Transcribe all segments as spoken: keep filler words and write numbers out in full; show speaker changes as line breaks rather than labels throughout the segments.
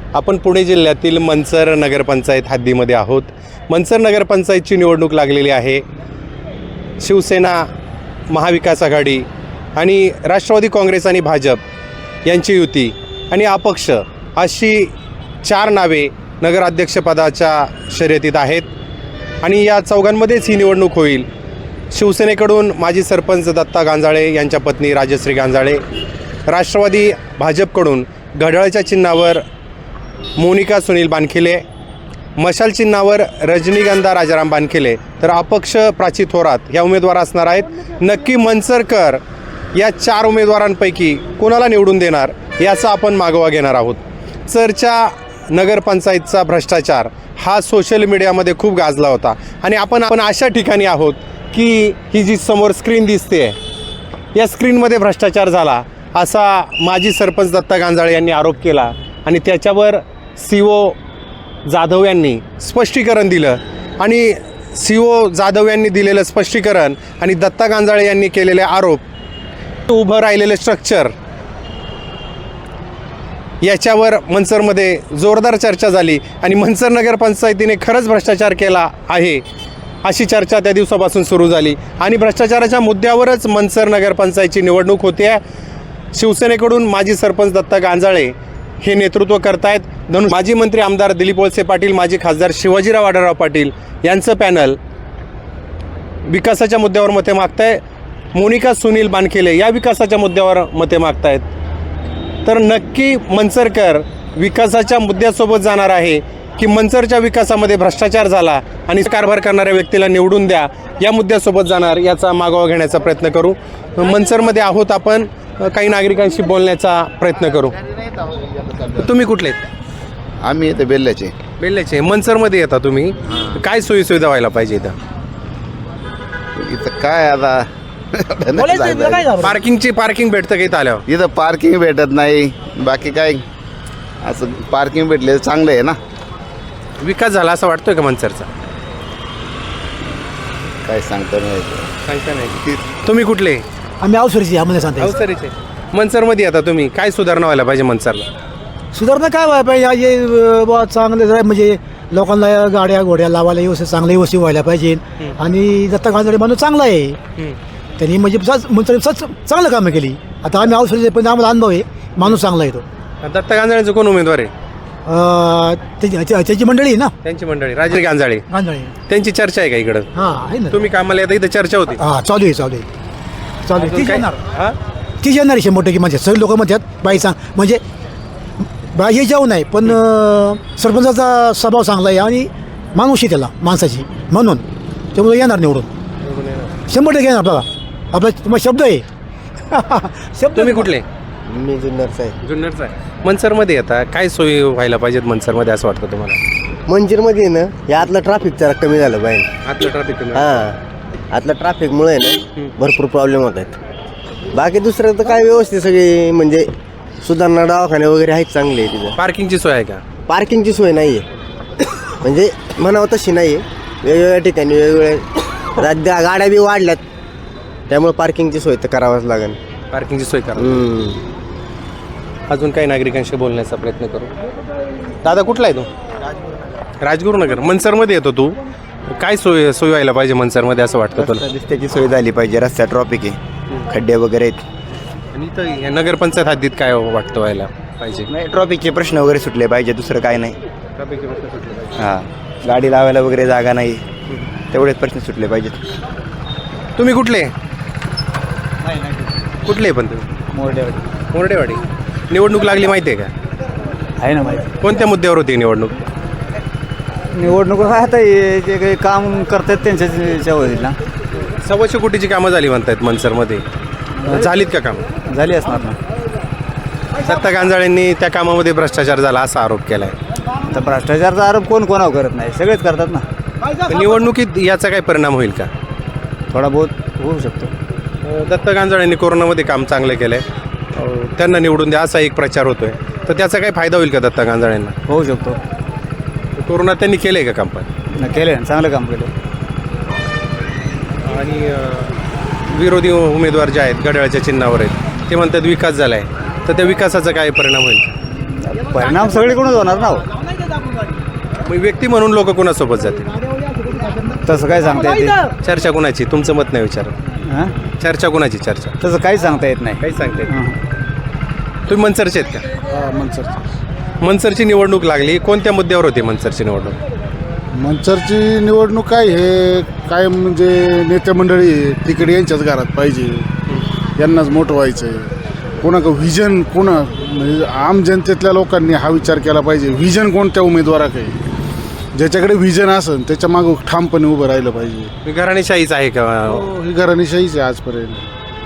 आपण पुणे जिल्ह्यातील मंचर नगरपंचायत हद्दीमध्ये आहोत। मंचर नगरपंचायतची निवडणूक लागलेली आहे। शिवसेना, महाविकास आघाडी आणि राष्ट्रवादी काँग्रेस आणि भाजप यांची युती आणि अपक्ष अशी चार नावे नगराध्यक्षपदाच्या शर्यतीत आहेत आणि या चौघांमध्येच ही निवडणूक होईल। शिवसेनेकडून माजी सरपंच दत्ता गांजाळे यांच्या पत्नी राजश्री गांजाळे, राष्ट्रवादी भाजपकडून घड्याळाच्या चिन्हावर मोनिका सुनील बानखिले, मशाल चिन्हावर रजनीगंधा राजाराम बानखिले, तर अपक्ष प्राची थोरात या उमेदवार असणार आहेत। नक्की मंचरकर या चार उमेदवारांपैकी कोणाला निवडून देणार याचा आपण मागोवा घेणार आहोत। चरच्या नगरपंचायतचा भ्रष्टाचार हा सोशल मीडियामध्ये खूप गाजला होता आणि आपण आपण अशा ठिकाणी आहोत की ही जी समोर स्क्रीन दिसते या स्क्रीनमध्ये भ्रष्टाचार झाला असा माजी सरपंच दत्ता गांजाळे यांनी आरोप केला आणि त्याच्यावर सी ओ जाधव यांनी स्पष्टीकरण दिलं आणि सी ओ जाधव यांनी दिलेलं स्पष्टीकरण आणि दत्ता गांजाळे यांनी केलेले आरोप, उभं राहिलेले स्ट्रक्चर, याच्यावर मंचरमध्ये जोरदार चर्चा झाली आणि मंचर नगरपंचायतीने खरंच भ्रष्टाचार केला आहे अशी चर्चा त्या दिवसापासून सुरू झाली आणि भ्रष्टाचाराच्या मुद्द्यावरच मंचर नगरपंचायतची निवडणूक होते आहे। शिवसेनेकडून माजी सरपंच दत्ता गांजाळे हे नेतृत्व करतायत, म्हणून माजी मंत्री आमदार दिलीप वळसे पाटील, माजी खासदार शिवाजीराव आढळराव पाटील यांचं पॅनल विकासाच्या मुद्द्यावर मते मागताय। मोनिका सुनील बानखिले या विकासाच्या मुद्द्यावर मते मागतायत। तर नक्की मंचरकर विकासाच्या मुद्द्यासोबत जाणार आहे की मंचरच्या विकासामध्ये भ्रष्टाचार झाला आणि कारभार करणाऱ्या व्यक्तीला निवडून द्या या मुद्द्यासोबत जाणार याचा मागोवा घेण्याचा प्रयत्न करू। मंचरमध्ये आहोत आपण, काही नागरिकांशी बोलण्याचा प्रयत्न करू। तुम्ही कुठले?
आम्ही इथे बेल्ल्याचे
बेल्ल्याचे मंचरमध्ये येता तुम्ही, काय सोयी सुविधा व्हायला पाहिजे इथं?
इथं काय आता
पार्किंगची पार्किंग भेटतं का इथं आल्यावर?
इथं पार्किंग भेटत नाही, बाकी काय असं पार्किंग भेटले चांगलं आहे ना।
विकास झाला असं वाटतोय का मंचरचा?
काय सांगता नाही
सांगता नाही। तुम्ही कुठले?
आम्ही अवसरीचे आम्हाला सांगता
अवसरीचे मंचरमध्ये आता तुम्ही, काय सुधारणा व्हायला पाहिजे मंचरला?
सुधारणा काय व्हायला पाहिजे, हे बुवा चांगले जरा म्हणजे लोकांना गाड्या घोड्या लावायला व्यवस्थित चांगले व्यवस्थित व्हायला पाहिजे आणि दत्ता गांजाळे माणूस चांगला आहे, त्यांनी म्हणजे म्हणजे चांगलं कामं केली। आता आम्ही अवसरीचे पण आम्हाला अनुभव आहे, माणूस चांगला आहे तो।
दत्ता गांजाळेचं कोण उमेदवार आहे?
त्याची मंडळी आहे ना,
त्यांची मंडळी राजश्री गांजाळे,
गांजाळे
त्यांची चर्चा आहे का इकडं?
हां आहे ना।
तुम्ही कामाला येता इथं चर्चा होती?
हां चालू आहे चालू आहे चालू आहे। तीच
काय?
येणार
हां
तीच येणार आहे शंभर टक्के, म्हणजे सगळे लोक म्हणतात बाई सांग म्हणजे बाई जाऊ नाही, पण सरपंचाचा स्वभाव चांगला आहे आणि माणूस आहे त्याला माणसाची, म्हणून त्यामुळे येणार निवडून शंभर टक्के येणार। बघा आपला तुम्हाला शब्द आहे शब्द।
तुम्ही कुठले?
मी जुन्नरचा आहे।
जुन्नरचा आहे। मंचरमध्ये येता, काय सोयी व्हायला पाहिजेत मंचरमध्ये असं वाटतं तुम्हाला?
मंचरमध्ये ना या आतलं ट्रॅफिक जरा कमी झालं पाहिजे।
आतलं ट्रॅफिक?
हां आतलं ट्रॅफिकमुळे ना भरपूर प्रॉब्लेम होत आहेत, बाकी दुसरं तर काय व्यवस्थित सगळी म्हणजे सुधारणा, दवाखाने वगैरे आहेत चांगले आहे तिथं।
पार्किंगची सोय आहे का?
पार्किंगची सोय नाही आहे, म्हणजे म्हणावं तशी नाही आहे, वेगवेगळ्या ठिकाणी वेगवेगळ्या राज्य गाड्या बी वाढल्यात, त्यामुळे पार्किंगची सोय तर करावंच लागेल।
पार्किंगची सोय करा।
हम्म.
अजून काही नागरिकांशी बोलण्याचा प्रयत्न करू। दादा कुठला आहे तू? राजगुरुनगर। मंचरमध्ये येतो तू, काय सोय सोय व्हायला पाहिजे मंचरमध्ये असं वाटतं तुला?
रस्त्याची सोय झाली पाहिजे, रस्ता ट्रॉफिक आहे, खड्डे वगैरे आहेत
आणि इथं या नगरपंचायत हद्दीत काय वाटतं व्हायला पाहिजे?
नाही, ट्रॉफिकचे प्रश्न वगैरे सुटले पाहिजे, दुसरं काय नाही।
ट्रॅफिकचे प्रश्न सुटले पाहिजे।
हां गाडी लावायला वगैरे जागा नाही, तेवढेच प्रश्न सुटले पाहिजेत।
तुम्ही कुठले? कुठले पण तुम्ही?
मोरडेवाडी।
मोरडेवाडी। निवडणूक लागली माहिती आहे का?
आहे ना माहिती।
कोणत्या मुद्द्यावर होती निवडणूक?
निवडणूक काय आता हे जे काही काम करतात त्यांच्याच होईल ना।
सव्वाशे कोटीची कामं झाली म्हणतायत मंचरमध्ये, झालीत का कामं?
झाली असणार ना।
दत्ता गांजाळेंनी त्या कामामध्ये भ्रष्टाचार झाला असा आरोप केला आहे।
तर भ्रष्टाचारचा आरोप कोण कोणावर करत नाही, सगळेच करतात ना।
निवडणुकीत याचा काय परिणाम होईल का?
थोडा बहुत होऊ शकतो।
दत्ता गांजाळेंनी कोरोनामध्ये काम चांगलं केलं आहे, त्यांना निवडून द्या असा एक प्रचार होतोय, तर त्याचा काही फायदा होईल का दत्ता गांजाळेंना?
होऊ शकतो।
कोरोना त्यांनी केलं आहे का काम? पण
केलं, चांगलं काम केलं।
आणि विरोधी उमेदवार जे आहेत घड्याळाच्या चिन्हावर आहेत ते म्हणतात विकास झाला आहे, तर त्या विकासाचा काय परिणाम होईल?
परिणाम सगळीकडूनच होणार ना हो.
मग व्यक्ती म्हणून लोक कोणासोबत जातील?
तसं काय सांगता येते
चर्चा कोणाची? तुमचं मत नाही विचार.
हां
चर्चा कोणाची चर्चा?
तसं काही सांगता येत नाही
काही सांगते तुम्ही मनसरचे आहेत का?
मनसरची
मनसरची निवडणूक लागली, कोणत्या मुद्द्यावर होती मनसरची निवडणूक?
मनसरची निवडणूक काय हे काय म्हणजे नेते मंडळी तिकडे यांच्याच घरात पाहिजे, यांनाच मोठं व्हायचं आहे. कोणा का व्हिजन कोणा म्हणजे आम जनतेतल्या लोकांनी हा विचार केला पाहिजे, व्हिजन कोणत्या उमेदवाराकडे, ज्याच्याकडे व्हिजन असेल त्याच्या मागं ठामपणे उभं राहिलं पाहिजे.
घराणेशाहीच आहे का?
हो, ही घराणेशाहीच आहे आजपर्यंत.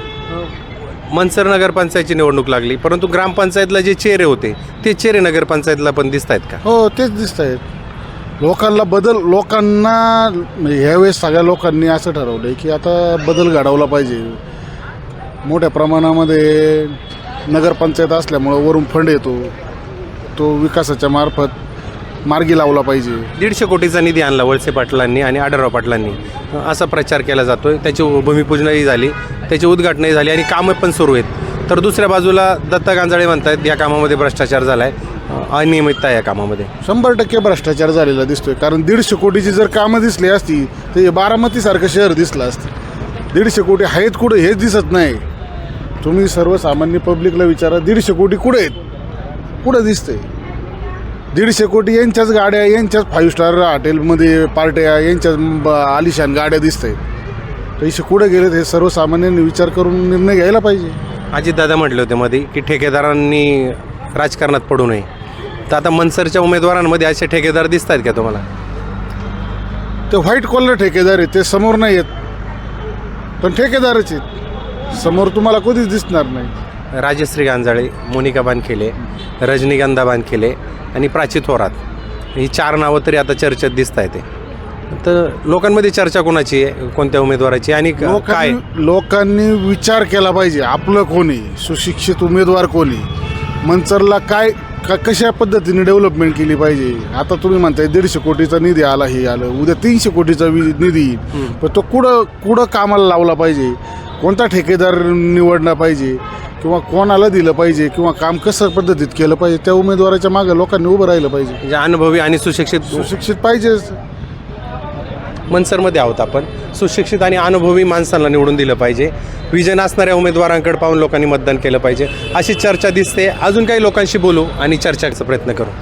मनसर नगरपंचायतची निवडणूक लागली, परंतु ग्रामपंचायतला जे चेहरे होते ते चेहरे नगरपंचायतला पण दिसत आहेत का?
हो तेच दिसत आहेत. लोकांना बदल लोकांना म्हणजे ह्यावेळेस सगळ्या लोकांनी असं ठरवलं आहे की आता बदल घडवला पाहिजे. मोठ्या प्रमाणामध्ये नगरपंचायत असल्यामुळं वरून फंड येतो, तो विकासाच्या मार्फत मार्गी लावला पाहिजे.
दीडशे कोटीचा निधी आणला वळसे पाटलांनी आणि आढळराव पाटलांनी, असा प्रचार केला जातोय. त्याची भूमिपूजनही झाली, त्याची उद्घाटनही झाली आणि कामं पण सुरू आहेत. तर दुसऱ्या बाजूला दत्ता गांजाळे म्हणतात या कामामध्ये भ्रष्टाचार झाला आहे, अनियमितता आहे या कामामध्ये.
शंभर टक्के भ्रष्टाचार झालेला दिसतोय. कारण दीडशे कोटीची जर कामं दिसली असती तर हे बारामतीसारखं शहर दिसलं असतं. दीडशे कोटी आहेत कुठं हेच दिसत नाही. तुम्ही सर्वसामान्य पब्लिकला विचारा, दीडशे कोटी कुठे आहेत, कुठं दिसतंय? दीडशे कोटी यांच्याच गाड्या, यांच्याच फाईव्ह स्टार हॉटेलमध्ये पार्ट्या, यांच्याच ब- आलिशान गाड्या दिसत आहेत. पैसे कुठे गेलेत हे सर्वसामान्यांनी विचार करून निर्णय घ्यायला पाहिजे.
अजितदादा म्हटले होते मध्ये की ठेकेदारांनी राजकारणात पडू नये. तर आता मनसरच्या उमेदवारांमध्ये असे ठेकेदार दिसत आहेत का तुम्हाला?
ते व्हाईट कॉलर ठेकेदार आहेत, ते समोर नाही आहेत पण ठेकेदारच आहेत. समोर तुम्हाला कधीच दिसणार नाही.
राजश्री गांजाळे, मोनिका बानखेले, रजनीगंधा बानखेले आणि प्राची थोरात, ही चार नावं तरी आता चर्चेत दिसत आहेत. तर लोकांमध्ये चर्चा कोणाची आहे, कोणत्या उमेदवाराची आणि क- काय?
लोकांनी लोकांनी विचार केला पाहिजे, आपलं कोणी सुशिक्षित उमेदवार कोणी, मनसरला काय का कशा पद्धतीने डेव्हलपमेंट केली पाहिजे. आता तुम्ही म्हणताय दीडशे कोटीचा निधी आला, हे आलं, उद्या तीनशे कोटीचा वि- निधी येईल, पण तो कुठं कुठं कामाला लावला पाहिजे, कोणता ठेकेदार निवडला पाहिजे किंवा कोणाला दिलं पाहिजे किंवा काम कसं पद्धतीत केलं पाहिजे, त्या उमेदवाराच्या मागे लोकांनी उभं राहिलं पाहिजे.
म्हणजे अनुभवी आणि सुशिक्षित
सुशिक्षित पाहिजेच.
मनसरमध्ये आहोत आपण. सुशिक्षित आणि अनुभवी माणसांना निवडून दिलं पाहिजे, विजन असणाऱ्या उमेदवारांकडे पाहून लोकांनी मतदान केलं पाहिजे, अशी चर्चा दिसते. अजून काही लोकांशी बोलू आणि चर्चाचा प्रयत्न करू.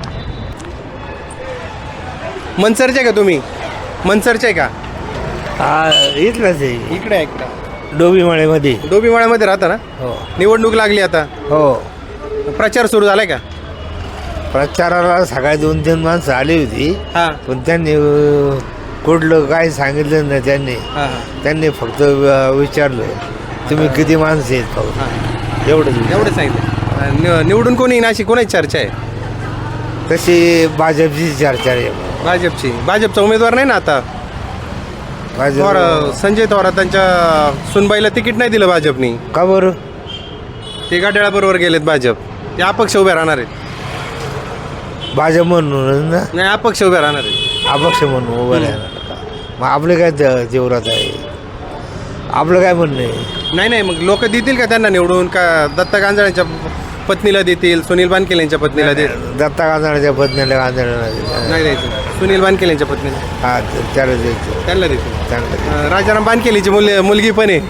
मनसरचे का तुम्ही? मनसरचे का?
इथलंच आहे,
इकडे आहे, इकडे
डोबीमाळेमध्ये.
डोबीमाळ्यामध्ये राहता ना?
हो
निवडणूक लागली आता,
हो
प्रचार सुरू झालाय का?
प्रचाराला सकाळी दोन तीन माणसं आली होती,
हां
पण त्यांनी अं, कुठलं काय सांगितलं नाही. त्यांनी
हां
त्यांनी फक्त अं, विचारलं तुम्ही किती माणसं आहेत फक्त, एवढंच.
एवढं सांगितलं. नि- निवडून कोणी येईन अशी कोणाची चर्चा आहे?
तशी भाजपची चर्चा आहे.
भाजपची. भाजपचा उमेदवार नाही ना आता.
भाजप
थोर संजय थोरातांच्या सुनबाईला तिकीट नाही दिलं भाजपनी.
का बरं?
ते गाड्याबरोबर गेलेत भाजप. ते अपक्ष उभे राहणार आहेत.
भाजप म्हणून ना,
नाही, अपक्ष उभे राहणार आहेत.
अपक्ष म्हणून उभं राहणार. मग आपलं काय ज- जीवरात आहे, आपलं काय म्हणणं आहे?
नाही नाही, मग लोक देतील का त्यांना निवडून? का दत्ता गांजाळ्यांच्या पत्नीला देतील, सुनील बानखेल यांच्या पत्नीला देतील?
दत्ता गांजाळ्याच्या पत्नीला गांजाळ्याला
नाही द्यायचं. सुनील बानखेल यांच्या पत्नीला
हा त्याला द्यायचं,
त्यांना देतील.
चांगलं
अं, राजाराम बानखेलीची मुल मुलगी पण आहे,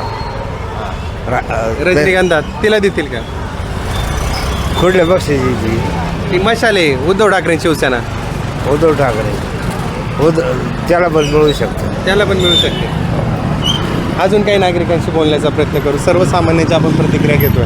रजनीगंधा, तिला देतील का?
कुठल्या पक्षाची ती?
ती मशाल आहे, उद्धव ठाकरे शिवसेना,
उद्धव ठाकरे. उद्धव त्याला पण मिळू शकतो.
त्याला पण मिळू शकते. अजून काही नागरिकांशी बोलण्याचा प्रयत्न करू. सर्वसामान्यांच्या आपण प्रतिक्रिया घेतोय.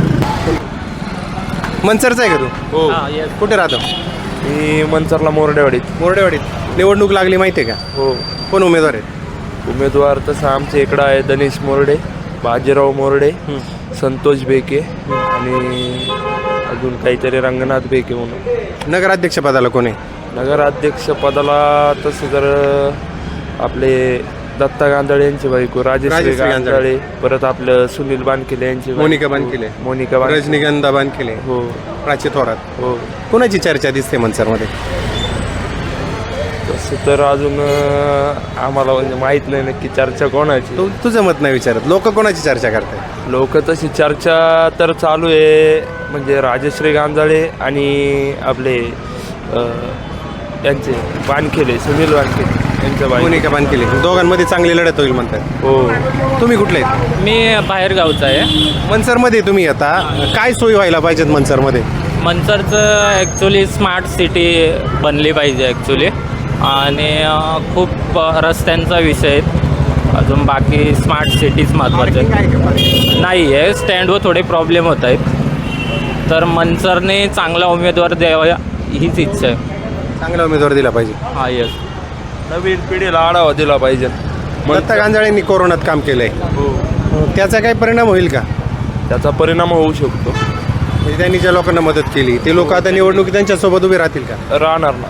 मनसरचा आहे का तू?
हो,
कुठे राहतो?
मी मनसरला मोरडेवाडीत.
मोरडेवाडीत. निवडणूक लागली माहिती आहे का?
हो.
कोण उमेदवार आहेत?
उमेदवार तसं आमच्या इकडं आहे दनेश मोरडे, बाजीराव मोरडे, संतोष बेके आणि अजून काहीतरी रंगनाथ बेके म्हणून.
नगराध्यक्षपदाला कोण आहे?
नगराध्यक्षपदाला तसं जर आपले दत्ता गांजाळे यांची बायको राजेश्री
राजेश्री गांजाळे.
गांजाळे, परत आपलं सुनील बानखेले यांची बायको.
मोनिका बानखेले.
मोनिका बानखेले.
रजनीगंधा बानखेले,
हो
प्राची थोरात.
हो.
कोणाची चर्चा दिसते मनसरमध्ये?
तसं तर अजून अं, आम्हाला म्हणजे माहीत नाही नक्की चर्चा कोणाची.
तू तुझं मत नाही विचारत, लोक कोणाची चर्चा करतात?
लोक तशी चर्चा तर चालू आहे, म्हणजे राजश्री गांजाळे आणि आपले अं, यांचे वानखेडे, सुनील वानखेडे यांच्या बाई.
मोनिका बानकेले, दोघांमध्ये चांगली लढत होईल म्हणतात.
हो.
तुम्ही कुठले आहेत?
मी बाहेर गावचा आहे.
मनसरमध्ये तुम्ही आता काय सोयी व्हायला पाहिजेत मनसरमध्ये?
मनसरचं ॲक्च्युली स्मार्ट सिटी बनली पाहिजे ॲक्च्युली, आणि अ, खूप अ, रस्त्यांचा विषय आहे. अजून बाकी स्मार्ट सिटीज महत्त्वाचं आहे. नाही आहे, स्टँडवर थोडे प्रॉब्लेम होत आहेत, तर मनसरने चांगला उमेदवार द्यावा हीच इच्छा आहे.
चांगला उमेदवार दिला पाहिजे.
हा येस.
नवीन पिढीला आढावा दिला पाहिजे.
दत्ता गांजाळेंनी कोरोनात काम केलंय, त्याचा काही परिणाम होईल का?
त्याचा परिणाम होऊ शकतो.
म्हणजे त्यांनी ज्या लोकांना मदत केली ते लोक आता निवडणुकीत त्यांच्यासोबत उभे राहतील का?
राहणार ना.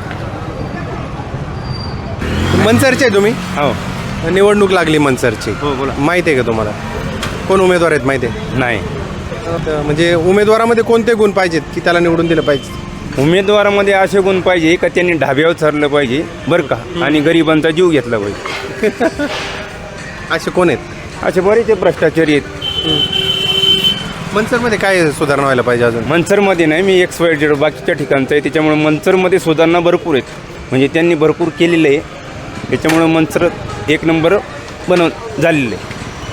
मनसरचे आहे तुम्ही?
हो
निवडणूक लागली मनसरची,
हो बोला.
माहिती आहे का तुम्हाला कोण उमेदवार आहेत? माहिती आहे?
नाही,
तर म्हणजे उमेदवारामध्ये कोणते गुण पाहिजेत की त्याला निवडून दिलं पाहिजे?
उमेदवारामध्ये असे गुण पाहिजे का त्यांनी ढाब्यावर चरलं पाहिजे बरं का, आणि गरिबांचा जीव घेतला पाहिजे.
असे कोण आहेत?
असे बरेच भ्रष्टाचारी आहेत.
मनसरमध्ये काय सुधारणा व्हायला पाहिजे अजून?
मनसरमध्ये नाही, मी एक्स वाय झेड बाकीच्या ठिकाणचं आहे, त्याच्यामुळे मनसरमध्ये सुधारणा भरपूर आहेत. म्हणजे त्यांनी भरपूर केलेलं आहे, त्याच्यामुळं मनसर एक नंबर बनव झालेलं आहे.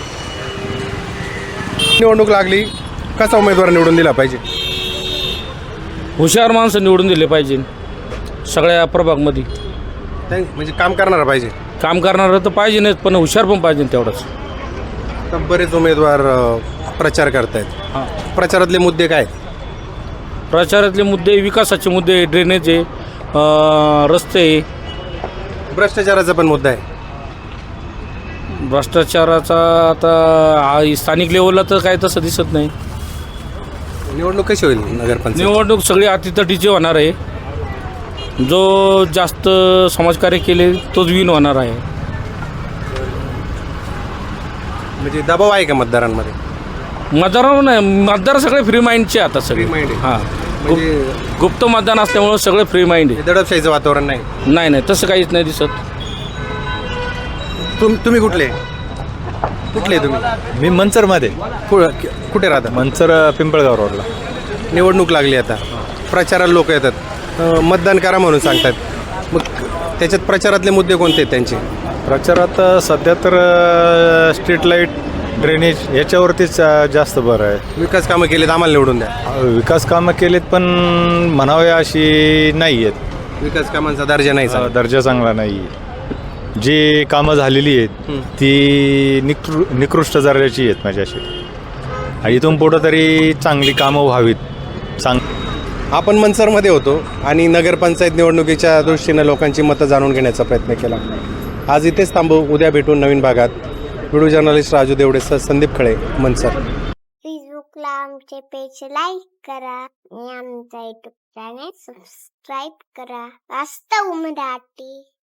निवडणूक लागली, कसा उमेदवार निवडून दिला पाहिजे?
हुशार माणसं निवडून दिले पाहिजे सगळ्या प्रभागमध्ये.
त्या- म्हणजे काम करणारा पाहिजे.
काम करणारं तर पाहिजे नाहीत, पण हुशार पण पाहिजे तेवढंच.
तर बरेच उमेदवार अ, प्रचार करतायत.
हां.
प्रचारातले मुद्दे काय?
प्रचारातले मुद्दे विकासाचे मुद्दे, ड्रेनेज आहे, अ, रस्ते आहे.
भ्रष्टाचाराचा पण मुद्दा आहे.
भ्रष्टाचाराचा आता आ- स्थानिक लेवलला तर काय तसं दिसत नाही.
निवडणूक कशी होईल नगरपंचायत?
निवडणूक सगळी अतितटीची होणार आहे. जो जास्त समाजकार्य केले तोच विन होणार आहे.
म्हणजे दबाव आहे का मतदारांमध्ये?
मतदार नाही, मतदार सगळे फ्री माइंडचे आता सगळे.
Free mind आहे.
हां,
म्हणजे
गुप्त मतदान असल्यामुळं सगळे फ्री माइंड आहे.
दडपशाहीचं वातावरण नाही.
नाही नाही तसं काहीच नाही दिसत.
तुम तुम्ही कुठले कुठले तुम्ही?
मी मनसरमध्ये,
कु- कुठे राहता?
मनसर पिंपळगाव रोडला.
निवडणूक लागली आता, प्रचाराला लोक येतात, अ, मतदान करा म्हणून सांगतात. मग त्याच्यात प्रचारातले मुद्दे कोणते आहेत त्यांचे?
प्रचारात सध्या तर स्ट्रीट लाईट, ड्रेनेज याच्यावरतीच जास्त बरं आहे.
विकास कामं केलेत, आम्हाला निवडून द्या.
विकास कामं केलेत पण म्हणावे अशी नाही आहेत.
विकास कामांचा दर्जा नाही सांगत.
दर्जा चांगला नाही आहे. जी कामं झालेली आहेत ती निकृ निकृष्ट दर्जाची आहेत माझ्याशी, आणि इथून पुढं तरी चांगली कामं व्हावीत. चांग
आपण मनसरमध्ये होतो आणि नगरपंचायत निवडणुकीच्या दृष्टीनं लोकांची मतं जाणून घेण्याचा प्रयत्न केला. आज इथेच थांबू, उद्या भेटून नवीन भागात. व्हिडिओ जर्नलिस्ट राजू देवडेसह संदीप खळे, मनसर.
फेसबुकला आमचे पेज लाईक करा आणि आमचा युट्यूब चॅनेल सबस्क्राईब करा. वास्तव मराठी.